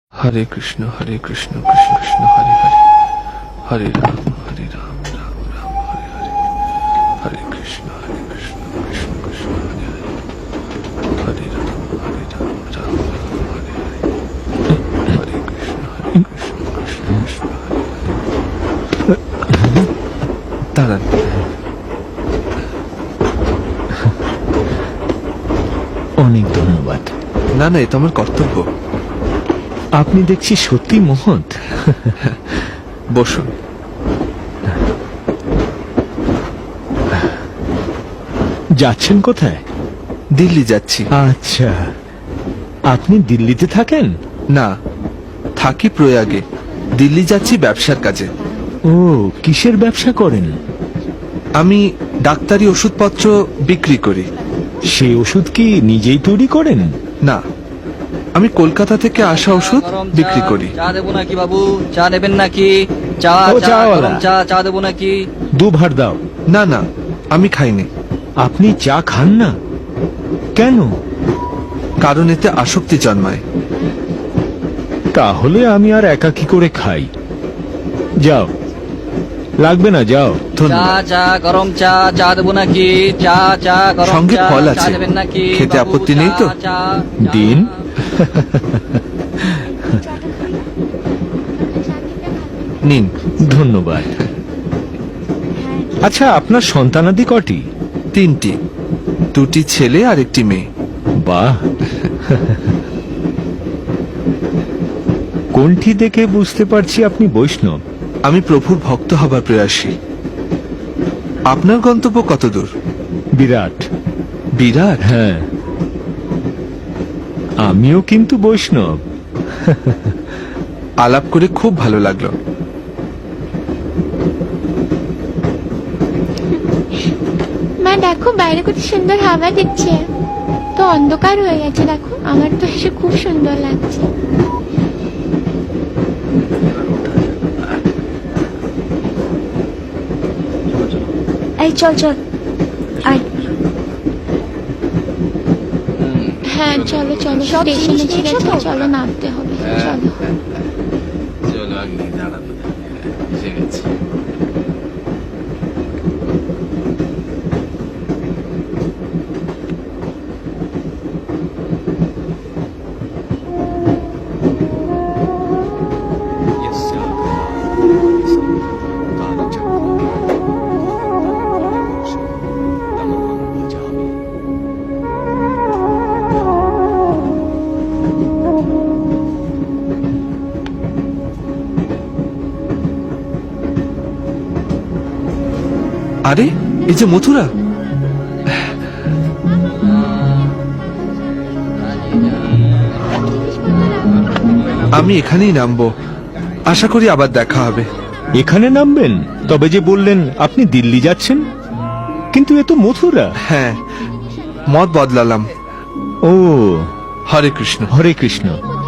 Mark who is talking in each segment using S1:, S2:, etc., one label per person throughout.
S1: हरे कृष्ण कृष्ण कृष्ण हरे हरे हरे राम राम राम हरे हरे हरे कृष्ण कृष्ण कृष्ण हरे हरे हरे राम राम राम हरे हरे हरे कृष्ण कृष्ण कृष्ण हरे हरे দাঁড়ান।
S2: অনেক ধন্যবাদ।
S1: না না, এ তো আমার কর্তব্য।
S2: আপনি দেখছি সত্যি মহৎ।
S1: বসুন।
S2: যাচ্ছেন কোথায়?
S1: দিল্লি যাচ্ছি।
S2: আচ্ছা, আপনি দিল্লিতে থাকেন?
S1: না, থাকি প্রয়াগে। দিল্লি যাচ্ছি ব্যবসার কাজে।
S2: ও, কিসের ব্যবসা করেন?
S1: আমি ডাক্তারি ওষুধপত্র বিক্রি করি।
S2: সেই ওষুধ কি নিজেই তৈরি করেন?
S1: না, আমি কলকাতা থেকে আসা ওষুধ বিক্রি করি।
S3: চা দেবো নাকি বাবু? চা নেবেন নাকি? চা
S2: ও,
S3: চা
S2: চাওয়ালা।
S3: গরম চা চা দেবো নাকি?
S2: দুভার দাও।
S1: না না, আমি খাইনি।
S2: আপনি চা খান না কেন?
S1: কারণ এতে আসক্তি জন্মায়।
S2: তাহলে আমি আর একা কি করে খাই? যাও, লাগবে না, যাও।
S3: চা
S1: ধন্যবাদ।
S3: চা গরম চা চা দেবো নাকি? চা চা গরম
S1: সঙ্গে
S3: চা
S1: ফল
S3: চা
S1: আছে।
S3: নেবেন নাকি?
S1: খেতে
S3: বাবু,
S1: আপত্তি
S3: চা,
S1: নেই তো?
S3: চা, চা।
S2: দিন।
S1: নিন।
S2: ধন্যবাদ। আচ্ছা, আপনার সন্তানাদি কটি?
S1: 3টি, 2টি ছেলে আর 1টি মেয়ে।
S2: বাহ। কোনটি দেখে বুঝতে পারছি আপনি বৈষ্ণব?
S1: আমি প্রভুর ভক্ত হবার প্রয়াসী। আপনার গন্তব্য কত দূর?
S2: বিরাট।
S1: বিরাট?
S2: হ্যাঁ, আমিও কিন্তু বৈষ্ণব।
S1: আলাপ করে খুব ভালো লাগলো।
S4: মা দেখো, বাইরে কত সুন্দর হাওয়া দিচ্ছে। তো অন্ধকার হয়ে গেছে, দেখো আমার তো এসে খুব সুন্দর লাগছে। এই চল চল, আয়। হ্যাঁ চলো চলো, স্টেশনে ছেড়ে চলো, নামতে হবে, চলো।
S5: চলো আগে দাঁড়াবো, এসে গেছি।
S1: আরে, এই যে মথুরা। আমি এখানেই নামবো। আশা করি আবার দেখা হবে।
S2: এখানে নামবেন? তবে যে বললেন আপনি দিল্লি যাচ্ছেন, কিন্তু এ তো মথুরা।
S1: হ্যাঁ, মত বদলালাম।
S2: ও,
S1: হরে কৃষ্ণ।
S2: হরে কৃষ্ণ।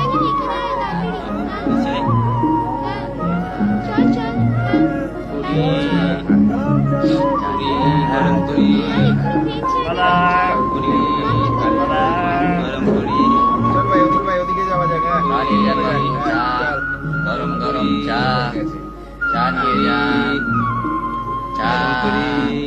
S3: গরম করি গরম করি চা গরম গরম চা চা নিয়ে যান। চা করি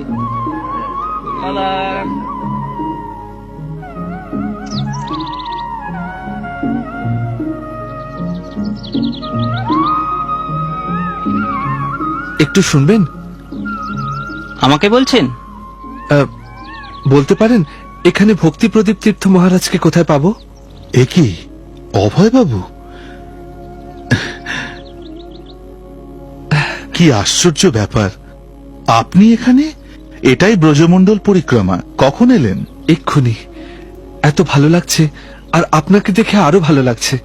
S1: একটু শুনবেন?
S3: আমাকে বলছেন?
S1: বলতে পারেন এখানে ভক্তি প্রদীপ তীর্থ মহারাজকে কোথায় পাবো?
S6: একি অভয় বাবু, কি আশ্চর্য ব্যাপার! আপনি এখানে? এটাই ব্রজমণ্ডল পরিক্রমা। কখন এলেন?
S1: এক্ষুনি। এত ভালো লাগছে, আর আপনাকে দেখে আরো ভালো লাগছে।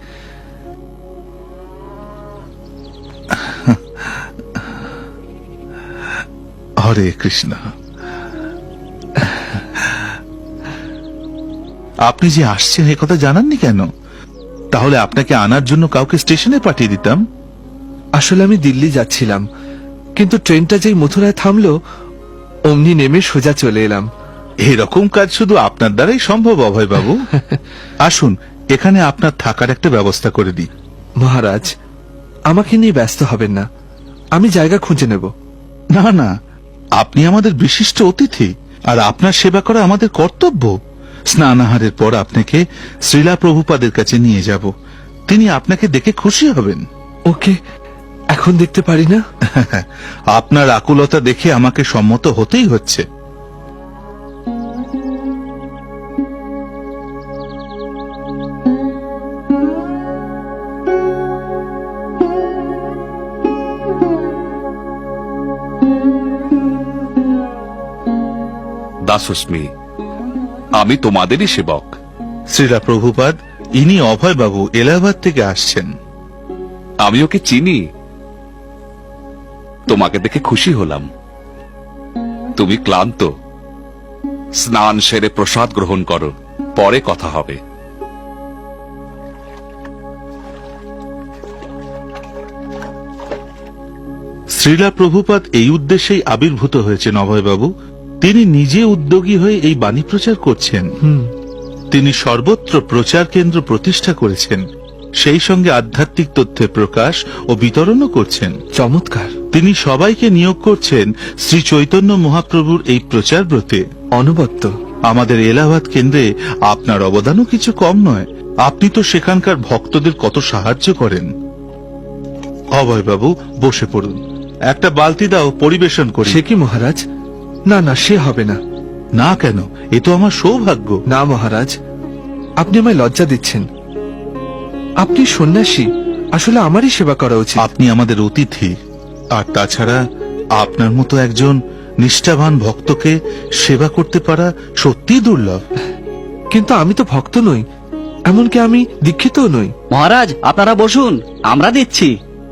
S6: হরে কৃষ্ণ। আপনি যে আসছেন এ কথা জানাননি কেন? তাহলে আপনাকে আনার জন্য কাউকে স্টেশনে পাঠিয়ে দিতাম।
S1: আসলে আমি দিল্লি যাচ্ছিলাম, কিন্তু ট্রেনটা যেই মথুরায় থামলো অমনি নেমে সোজা চলে এলাম।
S6: এরকম কাজ শুধু আপনার দ্বারাই সম্ভব অভয় বাবু। আসুন, এখানে আপনার থাকার একটা ব্যবস্থা করে দিই।
S1: মহারাজ, আমাকে নিয়ে ব্যস্ত হবেন না, আমি জায়গা খুঁজে নেব।
S6: না না, আপনি আমাদের বিশিষ্ট অতিথি, আর আপনার সেবা করা আমাদের কর্তব্য। স্নানাহারের পর আপনাকে শ্রীলা প্রভুপাদের কাছে নিয়ে যাব, তিনি আপনাকে দেখে খুশি হবেন।
S1: ওকে, এখন দেখতে পারি না?
S6: আপনার আকুলতা দেখে আমাকে সম্মত হতেই হচ্ছে।
S7: দাসস্মি, আমি তোমাদেরই সেবক।
S6: শ্রীলা প্রভুপাদ, ইনি অভয় বাবু, এলাহাবাদ থেকে আসছেন।
S7: আমি ওকে চিনি, তোমাকে দেখে খুশি হলাম। তুমি ক্লান্ত, স্নান সেরে প্রসাদ গ্রহণ করো, পরে কথা হবে।
S6: শ্রীলা প্রভুপাদ এই উদ্দেশ্যেই আবির্ভূত হয়েছেন অভয়বাবু। তিনি নিজে উদ্যোগী হয়ে এই বাণী প্রচার করছেন। তিনি সর্বত্র প্রচার কেন্দ্র প্রতিষ্ঠা করেছেন, সেই সঙ্গে আধ্যাত্মিক তথ্যের প্রকাশ ও বিতরণও করছেন।
S1: চমৎকার।
S6: তিনি সবাইকে নিয়োগ করছেন শ্রী চৈতন্য মহাপ্রভুর এই প্রচার ব্রতে।
S1: অনবদ্য।
S6: আমাদের এলাহাবাদ কেন্দ্রে আপনার অবদানও কিছু কম নয়। আপনি তো সেখানকার ভক্তদের কত সাহায্য করেন। অভয়বাবু, বসে পড়ুন, একটা বালতি দাও, পরিবেশন করি।
S1: সে কি মহারাজ? না না, সে হবে না।
S6: না কেন? এ তো আমার সৌভাগ্য।
S1: না মহারাজ, আপনি আমায় লজ্জা দিচ্ছেন। আপনি সন্ন্যাসী, আসলে আমারই সেবা করা উচিত।
S6: আপনি আমাদের অতিথি, আর তাছাড়া আপনার মতো একজন নিষ্ঠাবান ভক্তকে সেবা করতে পারা সত্যিই দুর্লভ।
S1: কিন্তু আমি তো ভক্ত নই, এমনকি আমি দীক্ষিতও নই।
S3: মহারাজ, আপনারা বসুন, আমরা দিচ্ছি।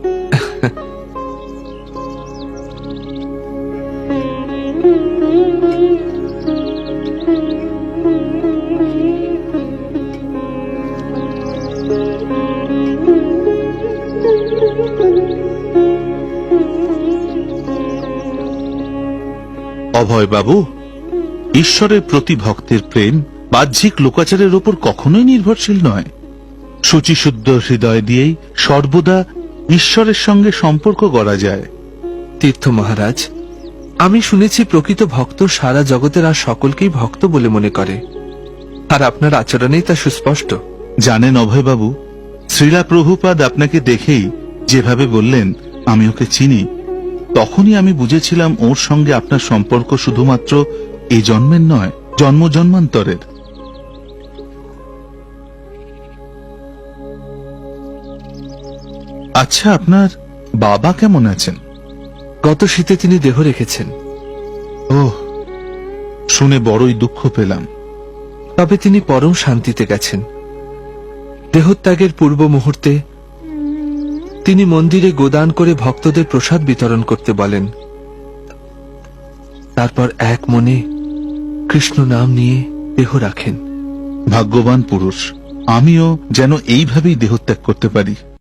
S6: অভয়বাবু, ঈশ্বরের প্রতি ভক্তের প্রেম বাহ্যিক লোকাচারের উপর কখনোই নির্ভরশীল নয়। শুচিশুদ্ধ হৃদয় দিয়েই সর্বদা ঈশ্বরের সঙ্গে সম্পর্ক গড়া যায়।
S1: তীর্থ মহারাজ, আমি শুনেছি প্রকৃত ভক্ত সারা জগতের আর সকলকেই ভক্ত বলে মনে করে, আর আপনার আচরণেই তা সুস্পষ্ট।
S6: জানেন অভয়বাবু, শ্রীলা প্রভুপাদ আপনাকে দেখেই যেভাবে বললেন আমি ওকে চিনি, তখনই আমি বুঝেছিলাম ওর সঙ্গে আপনার সম্পর্ক শুধুমাত্র এই জন্মের নয়, জন্ম জন্মান্তরের। আচ্ছা, আপনার বাবা কেমন আছেন?
S1: গত শীতে তিনি দেহ রেখেছেন।
S6: ওহ, শুনে বড়ই দুঃখ পেলাম।
S1: তবে তিনি পরম শান্তিতে গেছেন। দেহত্যাগের পূর্ব মুহূর্তে তিনি মন্দিরে গোদান করে ভক্তদের প্রসাদ বিতরণ করতে বলেন। তারপর এক মনে কৃষ্ণ নাম নিয়ে দেহ রাখেন।
S6: ভাগ্যবান পুরুষ। আমিও যেন এইভাবেই দেহত্যাগ করতে পারি।